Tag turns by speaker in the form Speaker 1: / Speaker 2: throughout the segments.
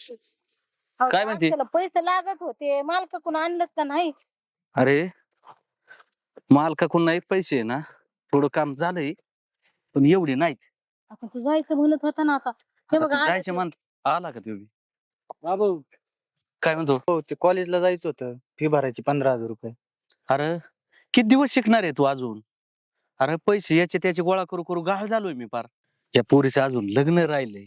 Speaker 1: काय म्हणते?
Speaker 2: त्याला पैसे लागत होते, मालकाकडून आणलंच का नाही?
Speaker 1: अरे मालकाकडून नाही पैसे ना, थोडं काम झालंय पण एवढे नाहीत.
Speaker 2: आपण तू जायचं म्हणत होता ना आता. हे
Speaker 1: आता
Speaker 2: बघा
Speaker 1: ते
Speaker 2: आलं
Speaker 1: जायचे
Speaker 2: ते.
Speaker 1: म्हणत आला का तुम्ही?
Speaker 3: बाबू
Speaker 1: काय म्हणतो?
Speaker 3: हो ते कॉलेजला जायचं होतं, फी भरायची 15,000 रुपये.
Speaker 1: अरे किती दिवस शिकणार आहे तू अजून? अरे पैसे याचे त्याचे गोळा करू करू गाळ झालोय मी पार. या पोरीचं अजून लग्न राहिलंय.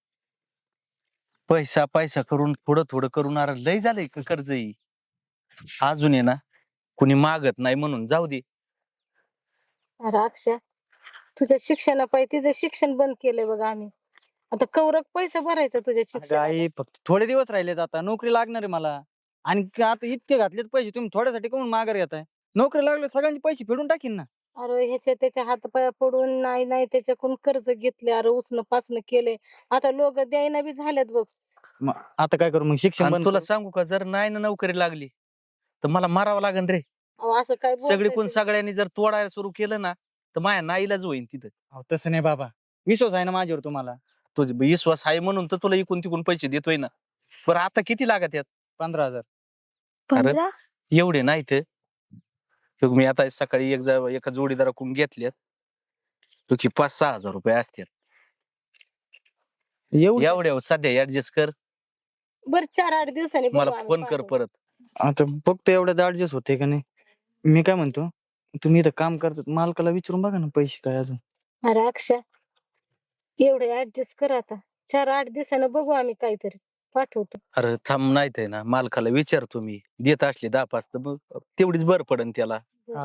Speaker 1: पैसा पैसा करून थोडं थोडं करून अरे लय झालंय कर्जही. अजून आहे ना कुणी मागत नाही म्हणून जाऊ दे.
Speaker 2: अरे अक्षय, तुझ्या शिक्षणापायी तिचं शिक्षण बंद केलंय बघा आम्ही. आता कवरक पैसा भरायचा तुझ्या शिक्षणाला.
Speaker 3: आई फक्त थोडे दिवस राहिलेत, आता नोकरी लागणार आहे मला. आणि आता इतके घातलेत पैसे, तुम्ही थोड्यासाठी कोण माघार घेताय? नोकरी लागले सगळ्यांचे पैसे फेडून टाकीन ना.
Speaker 2: अरे ह्याच्या त्याच्या हातपाया पडून नाही नाही त्याच्याकडून कर्ज घेतले, अरे उसनं पासनं केलंय. आता लोक द्यायना बी झाल्यात बघ.
Speaker 3: मग आता काय करू, मग शिक्षण
Speaker 1: आणि
Speaker 3: बंद
Speaker 1: तुला
Speaker 3: करू?
Speaker 1: सांगू का जर नाही ना नोकरी लागली तर मला मारावं लागेल रे.
Speaker 2: अहो, असं काय
Speaker 1: सगळी
Speaker 2: बोलताय
Speaker 1: कोण
Speaker 2: तुम्ही?
Speaker 1: सगळ्यांनी जर तोडायला सुरू केलं ना तर माझ्या नाईलाज होईन तिथं.
Speaker 3: अहो, तसं नाही बाबा, विश्वास आहे ना माझ्यावर तुम्हाला.
Speaker 1: तुझे विश्वास आहे म्हणून तर तुला इकून तिकून पैसे देतोय ना. बरं आता किती लागत यात?
Speaker 3: 15,000.
Speaker 1: अरे एवढे नाहीत. मी आता सकाळी एका जोडीदाराकडून घेतल्यात तो की 5-6 हजार रुपये असतात.
Speaker 3: एवढं
Speaker 1: एवढ्या सध्या ऍडजस्ट कर.
Speaker 2: बरं 4-8 दिवसांनी बघू
Speaker 1: मला
Speaker 2: आम्ही
Speaker 1: फोन कर
Speaker 2: पाठवून.
Speaker 1: परत.
Speaker 3: आता फक्त एवढ्याच ऍडजस्ट होते का नाही? मी काय म्हणतो, तुम्ही इथं काम करतात, मालकाला विचारून बघा ना पैसे काय अजून.
Speaker 2: अरे अक्षय, एवढे ऍडजस्ट कर आता. 4-8 दिवसानं बघू आम्ही काहीतरी पाठवतो.
Speaker 1: अरे थांब नाही ते ना मालकाला विचारतो मी देत असले 10-5 तर मग तेवढीच बरं पडन त्याला.
Speaker 3: हा.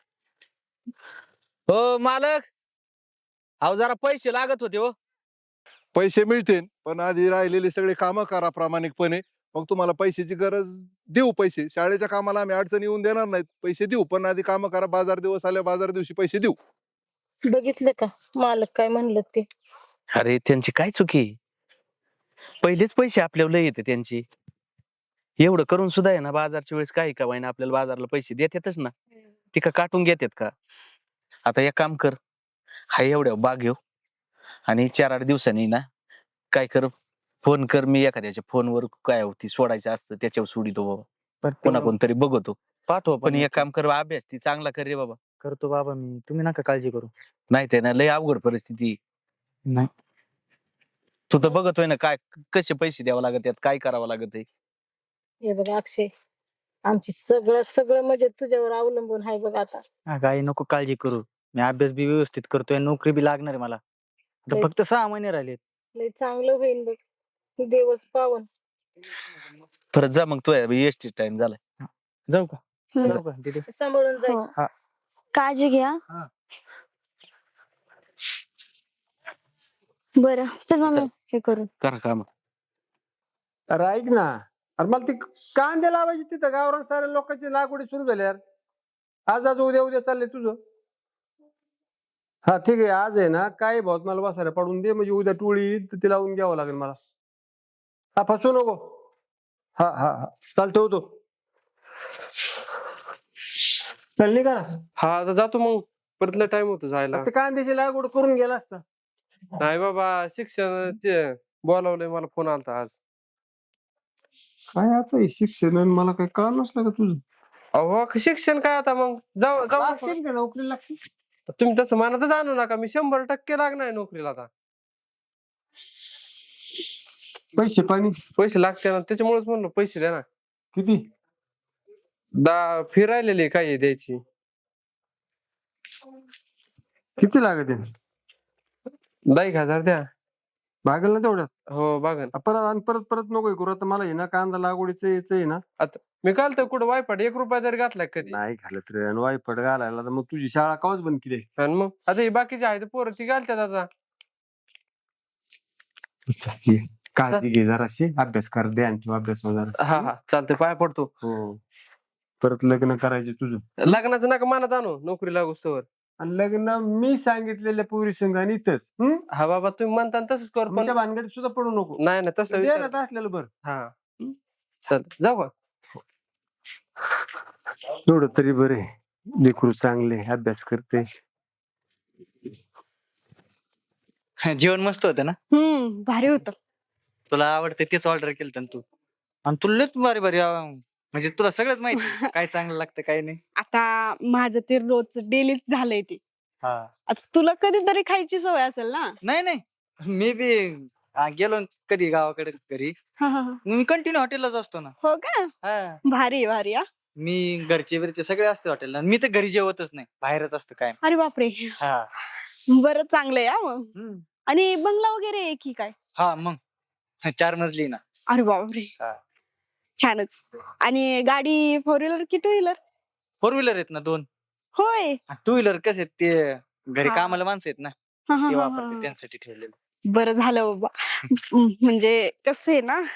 Speaker 1: हो मालक, अहो जरा पैसे लागत होते हो.
Speaker 4: पैसे मिळतील पण आधी राहिलेले सगळे कामं करा प्रामाणिकपणे. मग तुम्हाला पैशाची गरज देऊ. पैसे शाळेच्या कामाला आम्ही अडचण येऊन देणार नाहीत, पैसे देऊ, पण आधी कामं करा. बाजार दिवस आले, बाजार दिवशी पैसे देऊ.
Speaker 2: बघितलं का मालक काय म्हणलं ते?
Speaker 1: अरे त्यांची काय चुकी? पहिलेच पैसे आपल्याला लय येते त्यांची. एवढं करून सुद्धा आहे ना बाजारच्या वेळेस काही का वाईना आपल्याला बाजारला पैसे देतातच ना. ती का काटून घेतात का? आता एक काम कर, हा एवढ्या बाग घेऊ आणि 4-8 दिवसांनी ना काय कर, फोन कर. मी एखाद्याच्या फोनवर काय होती सोडायचं असतं त्याच्यावर सोडितो बाबा.
Speaker 3: पण
Speaker 1: कोणा कोणतरी बघतो.
Speaker 3: पाठवा
Speaker 1: पण एक काम कर, अभ्यास ती चांगला कर रे बाबा.
Speaker 3: करतो बाबा मी, तुम्ही नका काळजी करू.
Speaker 1: नाही ते ना लय अवघड परिस्थिती.
Speaker 3: नाही
Speaker 1: तू तर बघतोय ना काय कसे पैसे द्यावं लागत यात, काय करावं लागत आहे.
Speaker 2: हे बघ अक्षय, आमची सगळं सगळं म्हणजे तुझ्यावर अवलंबून आहे बघ आता.
Speaker 3: काही नको काळजी करू, मी अभ्यास बी व्यवस्थित करतोय, नोकरी बी लागणार आहे मला. आता
Speaker 2: लय-
Speaker 3: फक्त 6 महिने राहिलेत.
Speaker 2: लय चांगलं होईल बघ, दिवस पावन.
Speaker 1: परत जा मग तू एसटी टाइम झालाय.
Speaker 3: जाऊ का? जाऊ का तिथे?
Speaker 2: सांभाळून जाईल.
Speaker 5: हो. काळजी घ्या.
Speaker 3: हा.
Speaker 5: बरं चल मग हे करू.
Speaker 1: करा काम.
Speaker 6: अरे ऐक ना, अरे मला ती कांदे लावायची तिथं गावरान साऱ्या लोकांची लागवडी सुरू झाली यार. आज आज उद्या उद्या चाललंय तुझं. हा ठीक आहे, आज आहे ना काय भाऊ मला बसायला पडून दे, म्हणजे उद्या टोळी येईल तर ती लावून घ्यावं लागेल मला. हा फसू नको. हा हा हा चाल ठेवतो. चल निघा ना.
Speaker 7: हा आता जातो मग, परतला टाइम होतो जायला.
Speaker 6: ते कांद्याची लागवड करून गेला असता.
Speaker 7: नाही बाबा, शिक्षण ते बोलावलंय, मला फोन आलता आज.
Speaker 6: काय आता हे शिक्षण आणि मला काय कळलं नसलं का तुझं?
Speaker 7: अहो शिक्षण काय आता मग जाऊ जाऊ
Speaker 6: लागशील का नोकरी लागशील?
Speaker 7: तुम्ही तसं मनातच आणू नका, मी 100% लागणार नोकरीला आता.
Speaker 6: पैसे पाणी
Speaker 7: पैसे लागते ना, त्याच्यामुळेच म्हणलो पैसे द्या ना.
Speaker 6: किती?
Speaker 7: फिरायलेली काय द्यायची.
Speaker 6: किती लागत आहे?
Speaker 7: 10,000 द्या.
Speaker 6: भागल ना तेवढ्यात?
Speaker 7: हो बघा.
Speaker 6: परत आणि परत परत नको करू. आता मला हे ना कांदा लागवडीचं यायचं आहे ना.
Speaker 7: मी काल तर कुठं वायपाट 1 रुपया जरी घातलाय कधी.
Speaker 6: नाही घालत रे, आणि वायफट घालायला तर मग तुझी शाळा कावच बंद केली.
Speaker 7: आणि मग आता हे बाकीचे आहेत पोरं ती घालतात आता.
Speaker 6: काळजी घे जराशी, अभ्यास कर, ध्यान ठेव अभ्यास जरा.
Speaker 7: हा हा चालतंय, पाय पडतो.
Speaker 6: हो, परत लग्न करायचे तुझं.
Speaker 7: लग्नाचं नका मनात आणू, नोकरी लागूस्तवर.
Speaker 6: आणि लग्न मी सांगितलेल्या पुरी संघ आणि इथंच.
Speaker 7: हा बाबा तुम्ही म्हणता तसंच कर, पण
Speaker 6: त्या भानगडीत सुद्धा पडू नको.
Speaker 7: नाही ना तसं
Speaker 6: द्यायला
Speaker 7: विचार.
Speaker 6: तर असलेलं बरं.
Speaker 7: हा चल जाऊ का?
Speaker 6: एवढं तरी बरे, लेकरू चांगले अभ्यास करते.
Speaker 3: जेवण मस्त होतं ना?
Speaker 5: भारी होतं.
Speaker 3: तुला आवडतं तेच ऑर्डर केलं तू. आणि तुला लयच भारी भारी म्हणजे तुला सगळंच माहिती काय चांगलं लागतं काय नाही.
Speaker 8: आता माझं ते रोज डेलीच झालंय ते. आता तुला कधीतरी खायची सवय असेल ना.
Speaker 3: नाही नाही मी बी गेलो न कधी गावाकडे घरी
Speaker 8: हा, हा, हा.
Speaker 3: मी कंटिन्यू हॉटेललाच असतो ना.
Speaker 8: हो का?
Speaker 3: हा.
Speaker 8: भारी भारी हा.
Speaker 3: मी घरचे बिरचे सगळे असते हॉटेलला. मी तर घरी जेवतच नाही बाहेरच असतो काय.
Speaker 8: अरे बापरे.
Speaker 3: हा.
Speaker 8: बरं चांगलंय हा मग.
Speaker 3: हम्म.
Speaker 8: आणि बंगला वगैरे आहे की काय?
Speaker 3: हा मग 4 मजली ना.
Speaker 8: अरे बापरे.
Speaker 3: हा.
Speaker 8: छानच. आणि गाडी 4 व्हीलर की 2 व्हीलर?
Speaker 3: 4 व्हीलर आहेत ना 2.
Speaker 8: होय.
Speaker 3: 2 व्हीलर कसे आहेत ते घरी
Speaker 8: हा.
Speaker 3: कामाला माणसं आहेत ना
Speaker 8: हा, हा,
Speaker 3: ते
Speaker 8: हा,
Speaker 3: वापरते
Speaker 8: हा.
Speaker 3: त्यांसाठी ठेवलेलं.
Speaker 8: बरं झालं बाबा. म्हणजे कसं आहे ना.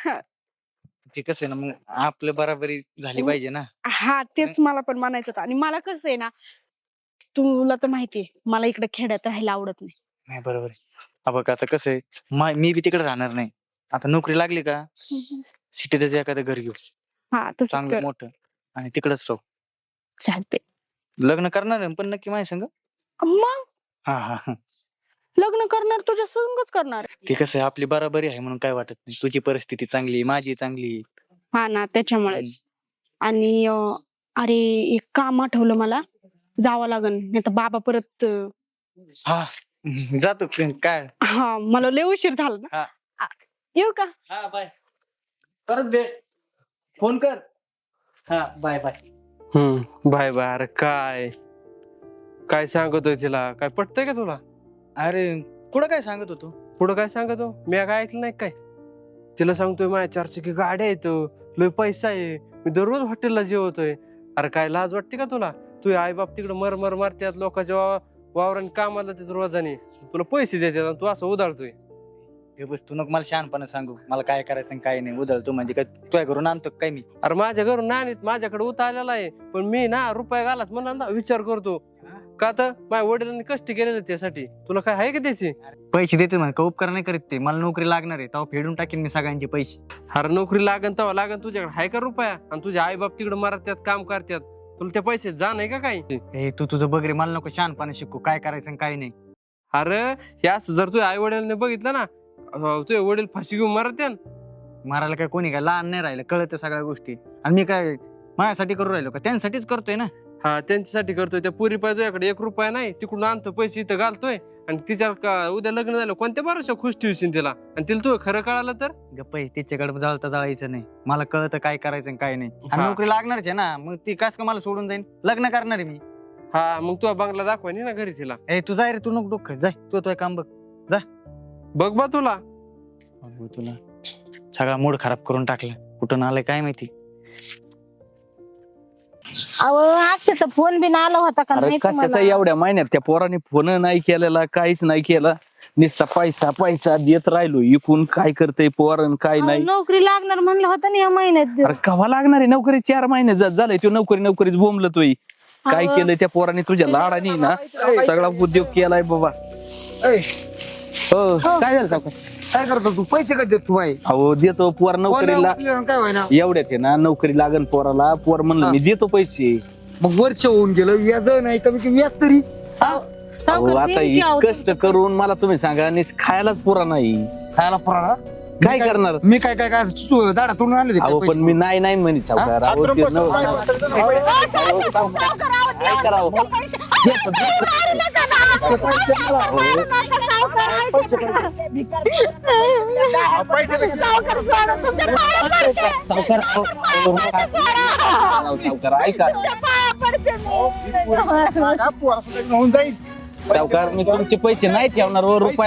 Speaker 3: ते कसं आहे ना मग आपलं बराबरी झाली पाहिजे ना.
Speaker 8: हा तेच मला पण म्हणायचं होतं. आणि मला कसं आहे ना, तुला तर माहितीये मला इकडे खेड्यात राहायला आवडत नाही.
Speaker 3: नाही बरोबर आहे. बघ आता कसं आहे मी बी तिकडे राहणार नाही. आता नोकरी लागली का सिटीतच एखादं घर घेऊ
Speaker 8: हा तसं
Speaker 3: चांगलं
Speaker 8: कर.
Speaker 3: मोठं आणि तिकडच राहू.
Speaker 8: चालते.
Speaker 3: लग्न करणार आहे पण नक्की माझ्या संग.
Speaker 8: मग
Speaker 3: हा हा हा.
Speaker 8: लग्न करणार तुझ्या संगच करणार.
Speaker 3: ते कसं आहे आपली बराबरी आहे म्हणून काय वाटत नाही. तुझी परिस्थिती चांगली आहे, माझी चांगली आहे.
Speaker 8: हा ना त्याच्यामुळेच. आणि अरे एक काम आठवलं मला, जावं लागन नाही तर बाबा परत
Speaker 3: हा जातो काय.
Speaker 8: हा मला लय उशीर झाला ना.
Speaker 3: हा.
Speaker 8: येऊ का?
Speaker 3: हा बाय. परत दे फोन कर. हा बाय बाय.
Speaker 7: Bye bye. अरे काय काय सांगतोय तिला? काय पटतंय का तुला?
Speaker 3: अरे कुठं काय सांगत होतो.
Speaker 7: पुढं काय सांगतो मी काय ऐकलं नाही काय? तिला सांगतोय माझ्या 4 चाकी गाड्या आहेत, लय पैसा आहे, मी दररोज हॉटेलला जेवतोय. अरे काय लाज वाटते का तुला? तुझे आई बाप तिकडे मर मारतात लोकांच्या वावराने कामाला जातात रोजाने, तुला पैसे देतात आणि तू असं उधाळतोय.
Speaker 3: हे बस तू नको मला शहाणपणा सांगू. मला काय करायचं आणि काय नाही. उधळतो म्हणजे काय तुझ्या घरून आणतो काय मी?
Speaker 7: अरे माझ्या घरून नाहीत, माझ्याकडे उता आलेला आहे, पण मी ना रुपये घालाच म्हणा ना विचार करतो का तर माझ्या वडिलांनी कष्ट केलेले त्यासाठी. तुला काय आहे का त्याची?
Speaker 3: पैसे देते म्हणे का उपकार नाही करीत ते. मला नोकरी लागणार आहे तेव्हा फेडून टाकेन मी सगळ्यांचे पैसे.
Speaker 7: अरे नोकरी लागन तेव्हा लागन, तुझ्याकडे आहे का रुपया? आणि तुझे आई बाप तिकडे मरतात काम करतात, तुला त्या पैसे जा नाही का काही?
Speaker 3: हे तू तुझं बघ रे. मला नको शहाणपणा शिकू. काय करायचं आणि काय नाही.
Speaker 7: अरे यास जर तुझ्या आई वडिलांनी बघितलं ना, तुझे वडील फाशी घेऊन मरते.
Speaker 3: मारायला काय कोणी काय लहान नाही राहिलं. कळतं सगळ्या गोष्टी. आणि मी काय माझ्यासाठी करू राहिलो का? त्यांसाठीच करतोय ना.
Speaker 7: हा त्यांच्यासाठी करतोय. त्या पुरी पाहिजे तुझ्याकडे 1 रुपया नाही, तिकडून आणतो पैसे इथं घालतोय आणि तिच्या उद्या लग्न झालं कोणत्या बरोबर खुश ठेवशील तिला? आणि तिला तू खरं कळालं तर
Speaker 3: गप्प आहे. तिच्याकडे जळता जळायचं नाही. मला कळतं काय करायचं आणि काय नाही. आणि
Speaker 7: हा.
Speaker 3: नोकरी लागणारच आहे ना. मग ती कास का मला सोडून जाईन? लग्न करणार आहे मी.
Speaker 7: हा मग तुझा बंगला दाखवानी ना घरी तिला.
Speaker 3: ए तू जाय रे. तू नको डोकं जाय. तू काम बघ.
Speaker 7: बघ बा तुला.
Speaker 3: तुला सगळा मूड खराब करून टाकला. कुठून आलाय काय माहिती.
Speaker 2: अहो अक्षयचा फोन बिन आला होता का
Speaker 1: अरे
Speaker 2: नाही
Speaker 1: कशाचा
Speaker 2: तुम्हाला?
Speaker 1: एवढ्या महिन्यात त्या पोराने फोन नाही केलेला, काहीच नाही केला. नुसता पैसा पैसा देत राहिलो. इकून काय करतय पोरण काय
Speaker 2: अहो,
Speaker 1: नाही.
Speaker 2: नोकरी लागणार म्हणलं होतं ना या महिन्यात.
Speaker 1: अरे कवा लागणार आहे नोकरी? 4 महिने झालंय तो नोकरीच बोंबलतोय. काय
Speaker 2: अहो.
Speaker 1: केलंय त्या पोराने तुझ्या लाडाने ना सगळा उद्योग केलाय बाबा. हो काय झालं काका?
Speaker 6: काय करतो तू? पैसे कधी देत तू बाई?
Speaker 1: अहो देतो पोर नोकरीला.
Speaker 6: काय व्हायना?
Speaker 1: एवढ्यात आहे ना नोकरी लागन पोराला. पोर म्हणलं मी देतो पैसे.
Speaker 6: मग वर्ष होऊन गेलं, व्याज नाही कमी की व्याज तरी.
Speaker 1: अहो
Speaker 2: सावकार
Speaker 1: आता
Speaker 2: देईन की अहो
Speaker 1: कष्ट करून मला तुम्ही सांगा नीच खायलाच पुरा नाही.
Speaker 6: खायला पुराणा
Speaker 1: काय करणार?
Speaker 6: मी काय काय काय झाडा तोडून आणले
Speaker 1: अहो पण मी नाही म्हणत सावकार. अहो ते काय करावं? सावकार ऐका सावकार मी तुमचे पैसे नाही ठेवणार. रुपया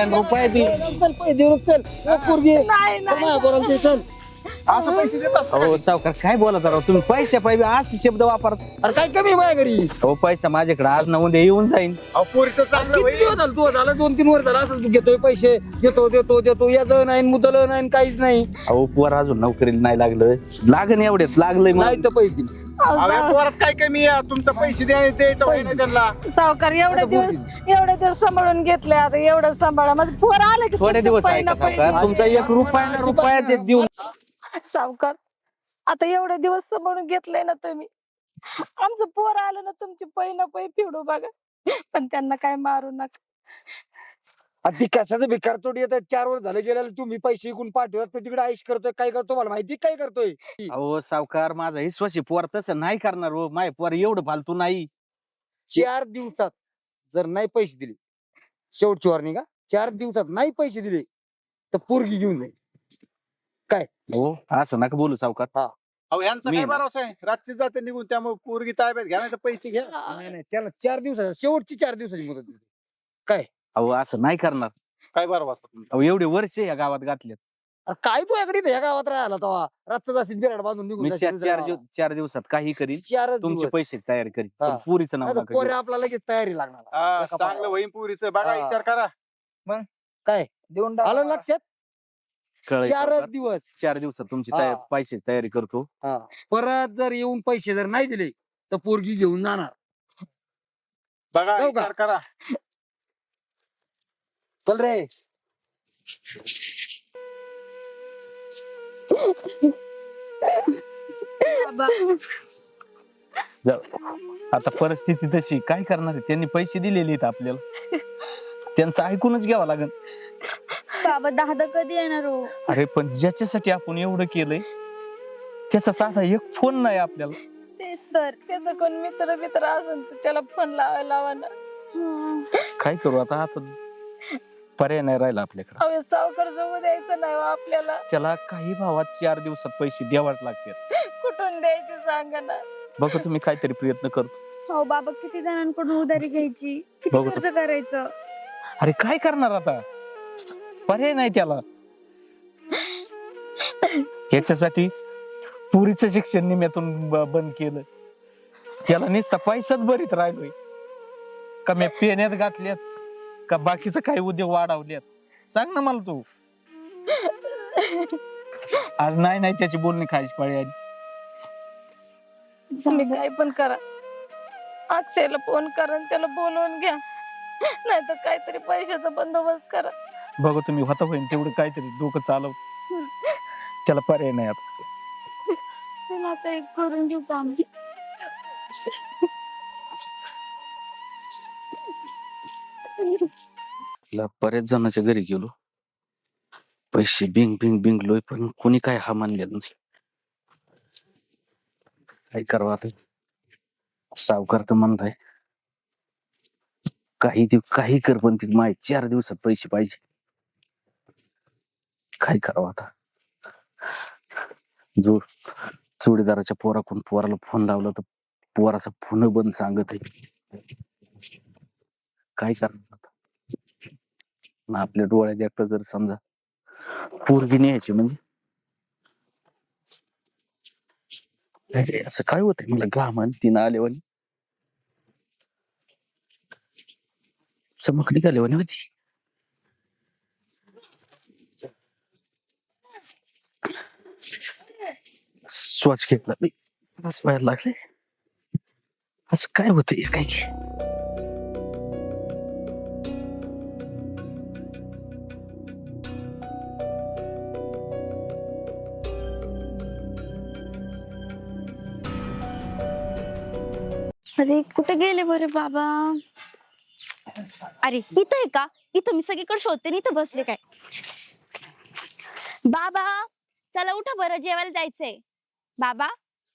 Speaker 9: असं पैसे देत असतो
Speaker 1: हो सावकार काय बोलत राव तुम्ही? पैसे पाहिजे असे शब्द वापरत.
Speaker 6: अरे काय कमी आहे माझ्या घरी?
Speaker 1: हो पैसा माझ्याकडे आज ना उद्या येऊन जाईन.
Speaker 9: पोरीचं चांगलं
Speaker 6: किती दिवस झालं? तू झालं 2-3 वर्ष झालं असं तू घेतोय पैसे, देतो याच नाही मुदल नाही काहीच नाही.
Speaker 1: अहो पोर अजून नोकरीला नाही लागलं. लागन एवढ्यात लागलंय
Speaker 6: नाही
Speaker 1: मग.
Speaker 6: तर पैसे दिले.
Speaker 9: पोरात काय कमी आहे? तुमचं पैसे द्यायचं वय नाही त्यांना.
Speaker 2: सावकार एवढे दिवस सांभाळून घेतले. आता एवढं सांभाळा. माझं पोर आलं की
Speaker 1: थोडे
Speaker 2: तुमचं
Speaker 1: दिवस आहे
Speaker 2: पहिलं
Speaker 1: का सावकार? तुमचा 1 रुपया ना रुपया देत देऊन.
Speaker 2: सावकार आता एवढे दिवस सांभाळून घेतलंय ना तुम्ही. आमचं पोर आलं ना तुमची पै ना पै फिडू बघा. पण त्यांना काय मारू नका.
Speaker 10: आणि ती कशाचं भिकार तोडी येतात 4 वर्ष झाले गेल्याला तुम्ही पैसे इकून पाठवतात तो तिकडे आईश करतोय काय करतो मला माहिती काय करतोय
Speaker 1: अहो सावकार माझा विश्वासी पोर तसं नाही करणार हो माय पोर एवढं फालतू नाही
Speaker 10: 4 दिवसात जर नाही पैसे दिले शेवटची वॉर्निंग 4 दिवसात नाही पैसे दिले तर पोरगी घेऊन जाईल
Speaker 1: हो असं नका बोलू सावकार
Speaker 9: अहो यांचा
Speaker 1: मी
Speaker 9: काय
Speaker 1: ना.
Speaker 9: भरोसा आहे रातची जाते निघून त्यामुळे पोरगी ताब्यात घ्या नाही तर पैसे घ्या
Speaker 10: नाही त्याला 4 दिवसात शेवटची 4 दिवसाची मुदत दिली
Speaker 1: अहो असं नाही करणार
Speaker 9: काय भरोसा तुमचा
Speaker 1: अहो एवढे वर्ष या गावात घातलेत
Speaker 10: अरे काय तू याकडे ह्या गावात राहिला तेव्हा रस्ता जाशील बिराड बांधून निघून
Speaker 1: मी
Speaker 10: जाशील
Speaker 1: चार
Speaker 10: दुसऱ्या
Speaker 1: चार दिवसात काही करीन
Speaker 10: गावाला. 4
Speaker 1: तुमचे
Speaker 10: दिवस.
Speaker 1: पैसे तयारी करीन
Speaker 10: हा.
Speaker 1: पण पुरीचं नाव
Speaker 10: नाही तर
Speaker 1: नका
Speaker 10: पोरे
Speaker 1: घेऊ.
Speaker 10: आपला लगेच तयारी लागणार
Speaker 9: हा,
Speaker 10: एका
Speaker 9: चांगलं
Speaker 10: पायावर.
Speaker 9: वहीन पुरीचं बघा
Speaker 10: हा.
Speaker 9: विचार करा
Speaker 3: देऊन
Speaker 10: आलं लक्षात
Speaker 1: कळलं
Speaker 10: 4
Speaker 1: सावकार.
Speaker 10: दिवस
Speaker 1: 4 दिवसात तुमची
Speaker 10: हा.
Speaker 1: पैसे तयारी करतो
Speaker 10: हा. परत जर येऊन पैसे जर नाही दिले तर पोरगी घेऊन जाणार
Speaker 9: बघा
Speaker 10: जाऊ का?
Speaker 9: विचार करा
Speaker 10: चल रे
Speaker 1: आता परिस्थिती तशी काय करणार आहे त्यांनी पैसे दिलेले आहेत आपल्याला त्यांचं ऐकूनच घ्यावं लागेल
Speaker 5: बाबा दादा कधी येणार हो?
Speaker 1: अरे पण ज्याच्यासाठी आपण एवढं केलंय त्याचा साधा एक फोन नाही आपल्याला
Speaker 2: तेच तर त्याचा कोण मित्र असेल तर त्याला फोन लावायला लावा ना.
Speaker 1: काय करू आता पर्याय नाही राहिला आपल्याकडे
Speaker 2: अहो सावकार जगू द्यायचं नाही हो आपल्याला.
Speaker 1: त्याला काही भावात 4 दिवसात पैसे द्यावाच लागतात
Speaker 2: कुठून द्यायचे सांगा ना.
Speaker 1: बघा तुम्ही काहीतरी प्रयत्न करतो
Speaker 5: हो बाबा किती जणांकडून उधारी घ्यायची किती
Speaker 1: बघू
Speaker 5: खर्च करायचं
Speaker 1: अरे काय करणार आता पर्याय नाही त्याला याच्यासाठी पुरीचं शिक्षण निम्यातून बंद केलं त्याला नुसता पैसाच भरीत राहिलोय का मी पेण्यात घातल्यात का बाकीचं काही उद्योग वाढवल्यात सांग ना मला तू आज नाही त्याची बोलणी खायची पाळी आली
Speaker 2: तुम्ही काय पण करा अक्षयला फोन करा आणि त्याला बोलवून घ्या नाही तर काहीतरी पैशाचा बंदोबस्त करा.
Speaker 1: बघा तुम्ही होता होईन तेवढं काहीतरी डोकं चालव त्याला पर्याय नाही आता
Speaker 5: चला आता एक करून घेऊ काम
Speaker 1: बऱ्याच जणांच्या घरी गेलो पैसे बिंगलोय पण कोणी काय हा मानलेला नाही काय करावं आता सावकार तर म्हणताय काही कर पण ती माय 4 दिवसात पैसे पाहिजे काय करावं आता जोडीदाराच्या पोराला फोन लावला तर पोराचा फोन बंद सांगत आहे काय करणार आता ना आपल्या डोळ्यात एकटा जर समजा पोरगी न्यायची म्हणजे अरे असं काय होतंय मला घामान तिनं आल्यावानी चमक निघाल्यावानी होती श्वास घेतला मी बस व्हायला लागले असं काय होतंय काय की
Speaker 5: अरे कुठे गेले बरे बाबा अरे इथं आहे का इथं मी सगळीकडे शोधते आणि इथं बसले काय बाबा चला उठा बरं जेवायला जायचंय बाबा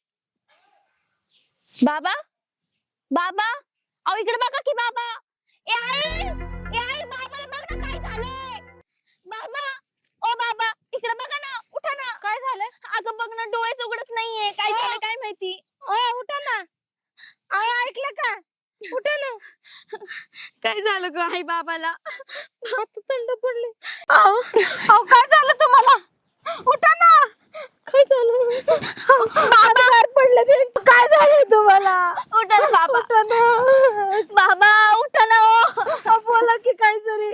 Speaker 5: बाबा बाबा अहो इकडे बघा की बाबा ए आई बाबाला बघ ना काय झालंय बाबा ओ बाबा इकडे बघा ना उठा ना काय झालं अगं बघ ना डोळेच उघडत नाहीये काय झालं काय माहिती उठा ना ऐकलं का उठा ना काय झालं ग आई बाबाला हात थंड पडले अहो काय झालं तुम्हाला उठा ना काय झालं बाबा पडलं ते काय झालं तुम्हाला उठा ना बाबा उठा ना बाबा उठा ना बोला की काहीतरी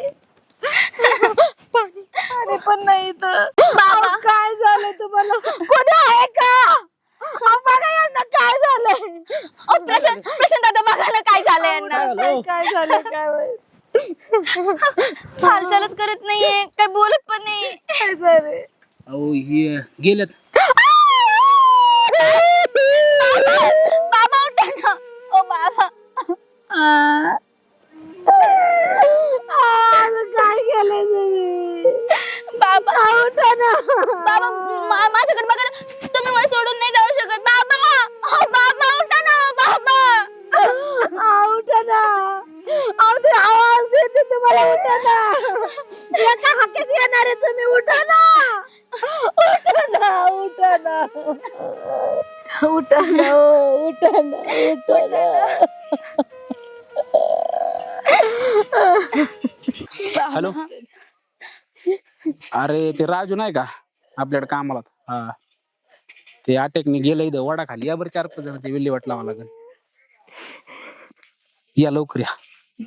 Speaker 2: अरे पण नाही तर
Speaker 5: बाबा
Speaker 2: काय झालं तुम्हाला
Speaker 5: कोणी आहे का बघा यांना काय झालंय प्रशांत दादा बघायला काय झालंय यांना
Speaker 2: काय झालं काय माहित.
Speaker 5: हालचालच करत नाहीये काय बोलत पण नाही
Speaker 2: काय झालं
Speaker 3: अहो हे गेल्यात
Speaker 5: बाबा उठा ना ओ बाबा
Speaker 2: काय
Speaker 5: ना बाबा माझ्याकडे बघा ना. तुम्ही मला सोडून नाही जाऊ शकत बाबा. बाबा उठा ना बाबा. उठा ना. ते आवाज देते तुम्हाला. उठा ना. एका हाकेत येणार आहे तुम्ही. उठा ना. उठा ना. उठा ना. उठा ना. उठा ना. उठा ना.
Speaker 11: हॅलो. अरे ते राजू नाही का आपल्याकडे कामाला. हा ते अटॅकने गेलं इथं वडा खाली. या बरं 4-5 जण ते विल्हेवाट लावा लागेल. या लवकर या.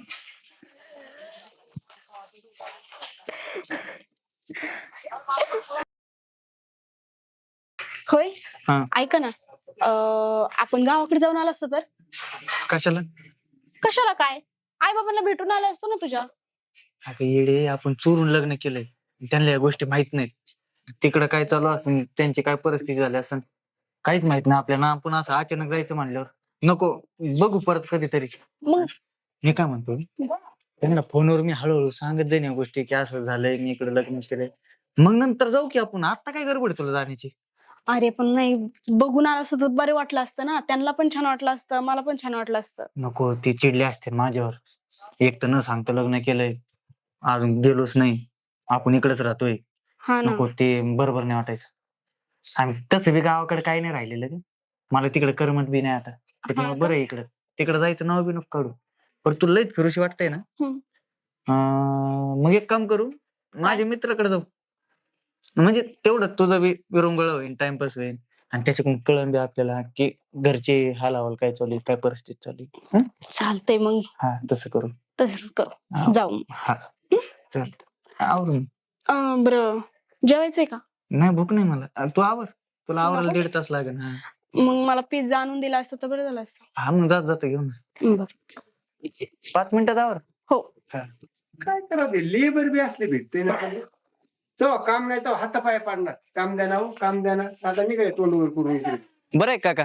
Speaker 8: होय
Speaker 11: हा.
Speaker 8: ऐका ना, आपण गावाकडे जाऊन आलो असतो तर.
Speaker 3: कशाला?
Speaker 8: कशाला काय, आई बाबांना भेटून आलो असतो ना तुझ्या.
Speaker 3: अगं येडे, आपण चोरून लग्न केलंय. त्यांना या गोष्टी माहित नाहीत. तिकडं काय चालू असेल, त्यांची काय परिस्थिती झाली असेल, काहीच माहित नाही आपल्याला. आपण असं अचानक जायचं म्हणल्यावर नको. बघू परत कधीतरी.
Speaker 8: मग
Speaker 3: मी काय म्हणतो, त्यांना फोनवर मी हळूहळू सांगत जाईन या गोष्टी की असं झालंय, मी इकडे लग्न केलंय. मग नंतर जाऊ की आपण. आता काय गडबड आहे तुला जाण्याची?
Speaker 8: अरे पण नाही, बघून आलो असतं तर बरे वाटलं असतं ना. त्यांना पण छान वाटलं असतं, मला पण छान वाटलं असतं.
Speaker 3: नको, ते चिडले असते माझ्यावर. एक तर न सांगतो लग्न केलंय, अजून गेलोच नाही, आपण इकडेच राहतोय.
Speaker 8: हा ना.
Speaker 3: नको, ते बरोबर नाही वाटायचं. आणि तसं बी गावाकडे काही नाही राहिलेलं ग. मला तिकडे करमत बी नाही आता. त्याच्यामुळे बरं आहे इकडं. तिकडे जायचं नाव बी नको काढू. पण तुला लयच फिरूशी वाटतंय ना. मग एक काम करू, माझ्या मित्राकडे जाऊ. म्हणजे तेवढं तुझं बी विरंगुळ होईल, टाइमपास होईल. आणि त्याच्याकडून कळण बी आपल्याला की घरचे हाल हवाल काय चालू आहे, काय परिस्थिती चालू आहे.
Speaker 8: चालतंय मग.
Speaker 3: हा, तसं करू.
Speaker 8: तसंच करू.
Speaker 3: हा.
Speaker 8: जाऊ.
Speaker 3: हा, चालतं. आवरून.
Speaker 8: बरं, जेवायचंय का?
Speaker 3: नाही, भूक नाही मला. तू आवर. तुला आवरायला 1.5 तास लागेल. हा.
Speaker 8: मग मला पिझ्झा आणून दिला असतं तर बरं झालं असतं.
Speaker 3: हा, मग जातो घेऊन.
Speaker 8: बरं.
Speaker 3: 5 मिनिटात आवर.
Speaker 8: हो.
Speaker 6: काय करा ते लेबर बी असले भेटते ना. चव काम नाही तर हातापाय पाडणार. काम द्या ना हो, काम द्या ना. आता मी काय तोंडवर करून इकडे.
Speaker 3: बरं आहे काका?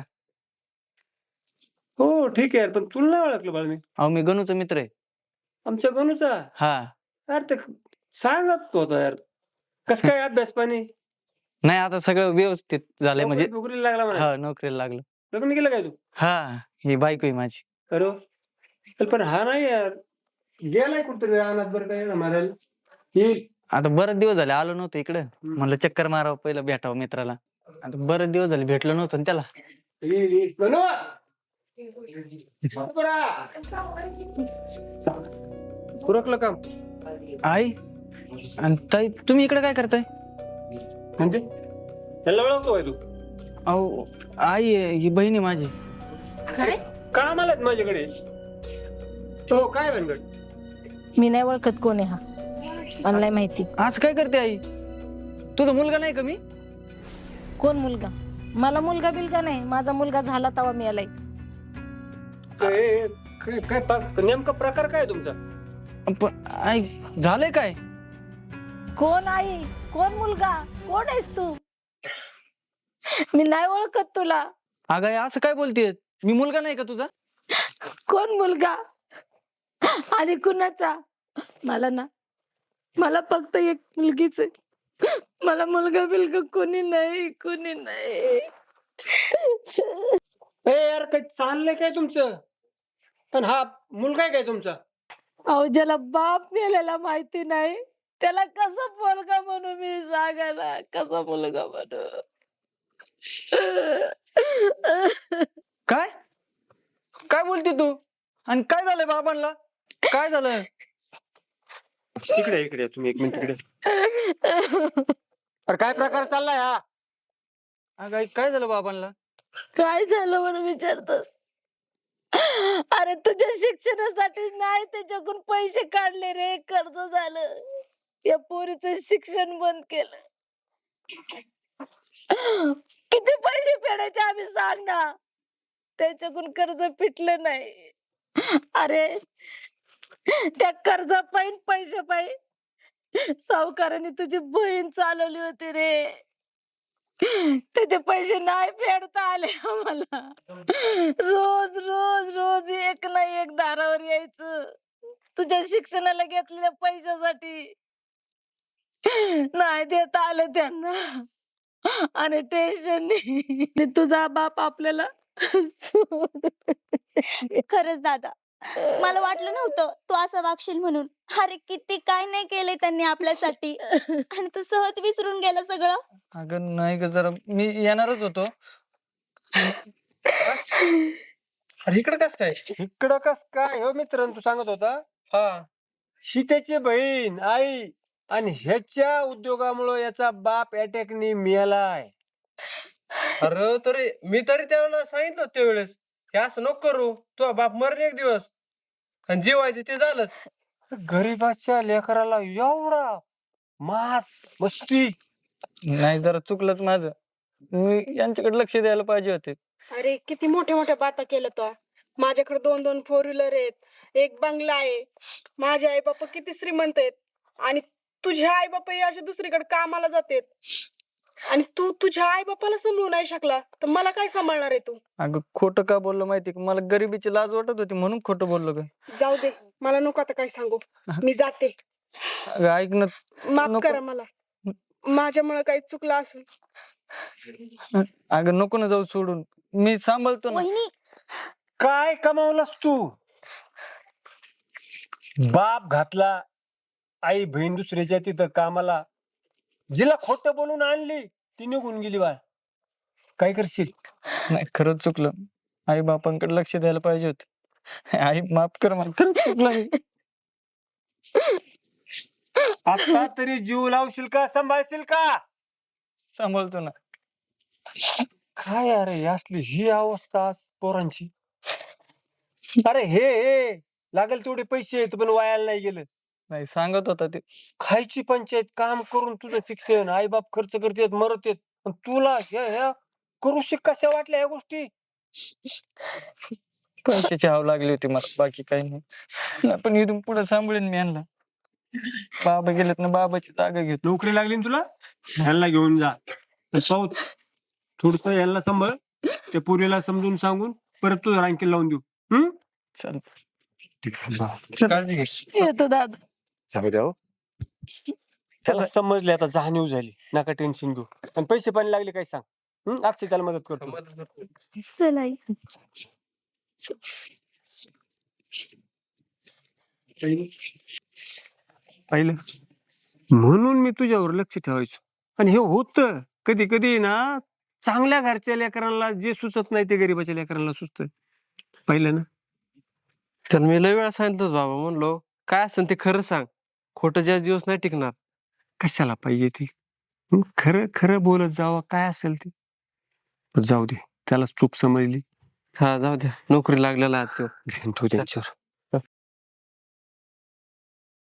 Speaker 6: हो ठीक आहे, पण तुला नाही ओळखलं बाळ मी.
Speaker 3: अहो, मी गणूचा मित्र आहे.
Speaker 6: आमच्या गणूचा.
Speaker 3: हा.
Speaker 6: यार ते सांगत होता यार. कस काय अभ्यास पाणी?
Speaker 3: नाही, आता सगळं व्यवस्थित झालंय. म्हणजे
Speaker 6: नोकरीला लागला म्हणा.
Speaker 3: हा, नोकरीला लागलं.
Speaker 6: लग्न केलं काय तू?
Speaker 3: हा, ही बायको आहे माझी.
Speaker 6: अरे वा. पण हा नाही यार, गेलाय कुठतरी रानात बरं काय मारायला. येईल.
Speaker 3: आता बरेच दिवस झाले आलो नव्हतो इकडं. म्हणलं चक्कर मारावं, पहिलं भेटावं मित्राला. आता बरेच दिवस झाले भेटलो नव्हतो ना त्याला.
Speaker 6: येईल येईल. गणू! उरकलं काम.
Speaker 3: आई आणि ताई, तुम्ही इकडे काय करताय?
Speaker 6: म्हणजे त्याला ओळखतोय तू?
Speaker 3: अहो, आई आहे, ही बहीण आहे माझी.
Speaker 8: काय?
Speaker 6: काम आलात माझ्याकडे. हो, काय भानगड?
Speaker 2: मी नाही ओळखत कोण आहे हा, मला नाही माहिती.
Speaker 3: आज काय करते आई? तुझा मुलगा नाही का मी?
Speaker 2: कोण मुलगा? मला मुलगा बिलगा नाही. माझा मुलगा झाला तवा मी आलाय.
Speaker 6: काय काय काय नेमका प्रकार काय तुमचा?
Speaker 3: पण आई, झालंय काय?
Speaker 2: कोण आई? कोण मुलगा? कोण आहेस तू? मी नाही ओळखत तुला.
Speaker 3: अगं आई, असं काय बोलतेय? मी मुलगा नाही का तुझा?
Speaker 2: कोण मुलगा आणि कुणाचा? मला फक्त एक मुलगीच आहे. मला मुलगा बिलगा कोणी नाही, कोणी नाही.
Speaker 6: यार काय चाललंय काय तुमचं? पण हा मुलगा आहे काय तुमचा?
Speaker 2: अहो, ज्याला बाप मेलेला माहिती नाही त्याला कसं मुलगा म्हणू? मी सांगा ना, कसा मुलगा म्हणू?
Speaker 3: काय काय बोलते तू? आणि काय झालंय बाबांना? काय झालं?
Speaker 6: इकडे इकडे तुम्ही 1 मिनिट इकडे. अरे काय प्रकार चाललाय हा?
Speaker 3: अगं आई, काय झालं बाबांना?
Speaker 2: काय झालं म्हणून विचारतोस? अरे तुझ्या शिक्षणासाठी नाही त्याच्याकडून पैसे काढले रे, कर्ज झालं. या पोरीचं शिक्षण बंद केलं. किती पैसे फेडायचे आम्ही सांग ना. त्याच्याकडून कर्ज फिटलं नाही. अरे त्या कर्जा पायी पैसे पायी सावकाराने तुझी बहीण चालवली होती रे. त्याचे पैसे नाही फेडता आले आम्हाला. रोज रोज रोज एक ना एक दारावर यायचं तुझ्या शिक्षणाला घेतलेल्या पैशासाठी. नाही देता आलं त्यांना आणि टेन्शन तुझा बाप आपल्याला
Speaker 5: खरंच दादा, मला वाटलं नव्हतं तू असं वागशील म्हणून. अरे किती काय नाही केलंय त्यांनी आपल्यासाठी आणि तू सहज विसरून गेला सगळं.
Speaker 3: अगं नाही ग, जरा मी येणारच होतो.
Speaker 6: अरे इकडं कस काय? इकडं कस काय हो मित्र, तू सांगत होता. हा, सीतेची बहीण आई आणि ह्याच्या उद्योगामुळे याचा बाप अटॅकनी मेलाय.
Speaker 7: अरे तरी मी तरी त्यावेळेला सांगितलं होतं त्यावेळेस हे असं नको करू, तो बाप मरण एक दिवस आणि जीवायचं ते झालंच.
Speaker 6: गरीबाच्या लेकराला एवढा मास मस्ती.
Speaker 3: नाही, जरा चुकलंच माझं. मी यांच्याकडे लक्ष द्यायला पाहिजे होते.
Speaker 8: अरे किती मोठ्या मोठ्या बाता केल्या तो. माझ्याकडे 2-2 फोर व्हीलर आहेत, एक बंगला आहे, माझे आई बापा किती श्रीमंत आहेत आणि तुझे आई बापा असे दुसरीकडे कामाला जातात आणि तू तुझ्या आई बापाला सांभाळू नाही शकला तर मला काय सांभाळणार आहे तू?
Speaker 3: अगं खोटं का बोललो माहिती का? मला गरिबीची लाज वाटत होती म्हणून खोटं बोललो ग.
Speaker 8: जाऊ दे, मला नको आता काय सांगू, मी जाते.
Speaker 3: अगं ऐक ना.
Speaker 8: माफ
Speaker 3: नको.
Speaker 8: करा मला, माझ्यामुळे काही चुकलं असेल.
Speaker 3: अगं नको ना जाऊ सोडून, मी सांभाळतो ना.
Speaker 5: वहिनी,
Speaker 6: काय कमावलास तू? बाप घातला, आई बहीण दुसऱ्याच्या तिथं कामाला, जिला खोटं बोलून आणली ती निघून गेली. बाळ काय करशील?
Speaker 3: नाही, खरंच चुकलं. आई बापांकडे लक्ष द्यायला पाहिजे होते. आई माफ कर मला, खरंच चुकलं मी.
Speaker 6: आता तरी जीव लावशील का, सांभाळशील का?
Speaker 3: सांभाळतो ना.
Speaker 6: काय अरे असली ही अवस्था आज पोरांची. अरे हे लागेल तेवढे पैसे आहेत पण वायाला नाही गेलं.
Speaker 3: नाही, सांगत होता ते.
Speaker 6: खायची पंचायत, काम करून तुझं शिक्षण, आई बाप खर्च करतेत, मरत येत, पण तुला ह्या करू कशा वाटल्या ह्या गोष्टी?
Speaker 3: पैशाची हाव लागली होती मला, बाकी काही नाही. नाही, पण इथून पुढे सांभाळेन मी यांना. बाबा गेलेत ना, बाबाची जागा घेतो.
Speaker 6: नोकरी लागली ना तुला, ह्यांना घेऊन जा. थोडस यांना सांभाळ, त्या पोरीला समजून सांगून परत तुझं रँकिंग लावून देऊ.
Speaker 3: चल.
Speaker 6: काळजी घे.
Speaker 2: येतो दादा.
Speaker 4: जाऊ द्या हो.
Speaker 6: त्याला समजले, आता जाणीव झाली, नका टेन्शन घेऊ. आणि पैसे पाणी लागले काय सांग, अक्षय त्याला मदत करतो.
Speaker 5: चल आई.
Speaker 6: पाहिलं, म्हणून मी तुझ्यावर लक्ष ठेवायचो. आणि हे होत कधी कधी ना, चांगल्या घरच्या लेकरांना जे सुचत नाही ते गरीबाच्या लेकरांना सुचत. पाहिलं ना.
Speaker 7: तर मी लय वेळा सांगितलं होतं बाबा, म्हणलो काय असेल ते खरं सांग, खोटं ज्या दिवस नाही टिकणार.
Speaker 6: कशाला पाहिजे ते, खरं खरं बोलत जावं, काय असेल ते. जाऊ दे, त्याला चूक समजली.
Speaker 7: हा जाऊ द्या, नोकरी लागलेला आहे तो.
Speaker 6: तू त्यांच्यावर